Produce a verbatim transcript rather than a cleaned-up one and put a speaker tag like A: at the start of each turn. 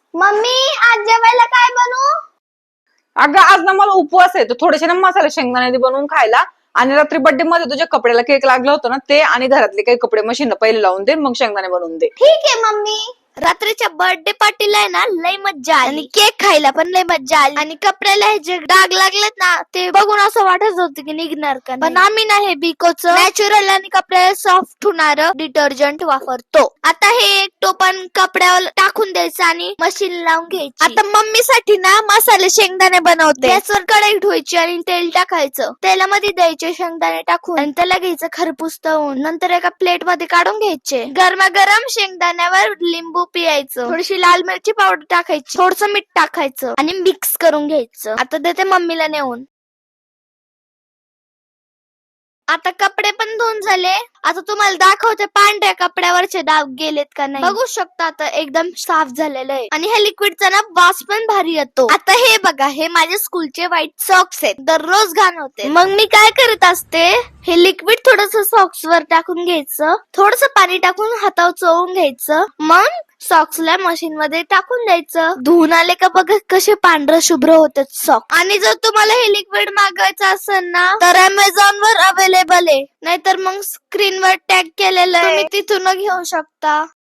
A: Mummy आज जेवायला काय बनवू?
B: अगं आज ना मला उपवास आहे, तर थोडेसे ना मसाले शेंगदाणे बनवून खायला. आणि रात्री बर्थडे मध्ये तुझ्या कपड्याला केक लागला होता ना, ते आणि घरातले काही कपडे मशीन पहिले लावून दे, मग शेंगदाणे बनवून दे.
A: ठीक आहे मम्मी. रात्रीच्या बर्थडे पार्टीला आहे ना लय मज्जा आली आणि केक खायला पण लय मज्जा आली आणि कपड्याला हे जे डाग लागलेत ना ते बघून असं वाटत होतं की निघणार का नाही. पण आम्ही ना हे बिकोच नॅचरल आणि कपड्याला सॉफ्ट होणार डिटर्जंट वापरतो. आता हे एक टोपण कपड्यावर टाकून द्यायचं आणि मशीन लावून घ्यायची. आता मम्मीसाठी ना मसाले शेंगदाणे बनवते. गॅसवर कढई ठेवायची आणि तेल टाकायचं. तेलामध्ये द्यायचे शेंगदाणे टाकून आणि त्याला घ्यायचं खरपूस तळून. नंतर एका प्लेट मध्ये काढून घ्यायचे. गरमागरम शेंगदाण्यावर लिंबू पियायचं. थोडीशी लाल मिरची पावडर टाकायची. थोडस मीठ टाकायचं आणि मिक्स करून घ्यायचं. आता देते मम्मीला नेऊन. आता कपडे पण धुवून झाले. आता तुम्हाला दाखवते पांढऱ्या कपड्यावरचे डाग गेलेत का नाही. बघू शकता आता एकदम साफ झालेलं आहे आणि ह्या लिक्विडचा ना वास पण भारी येतो. आता हे बघा, हे माझे स्कूलचे व्हाईट सॉक्स आहेत. दररोज घाण होते. मग मी काय करत असते, हे लिक्विड थोडस सॉक्स वर टाकून घ्यायचं. थोडस पाणी टाकून हातावर चोळून घ्यायचं. मग सॉक्सला मशीन मध्ये टाकून द्यायचं. धुवून आले का बघा कसे पांढरं शुभ्र होतात सॉक्स. आणि जर तुम्हाला हे लिक्विड मागवायचं असेल ना तर अमेझॉन वर अवेलेबल आहे. नाहीतर मग स्क्रीनवर टॅग केलेलं आहे, तुम्ही तिथून घेऊ शकता.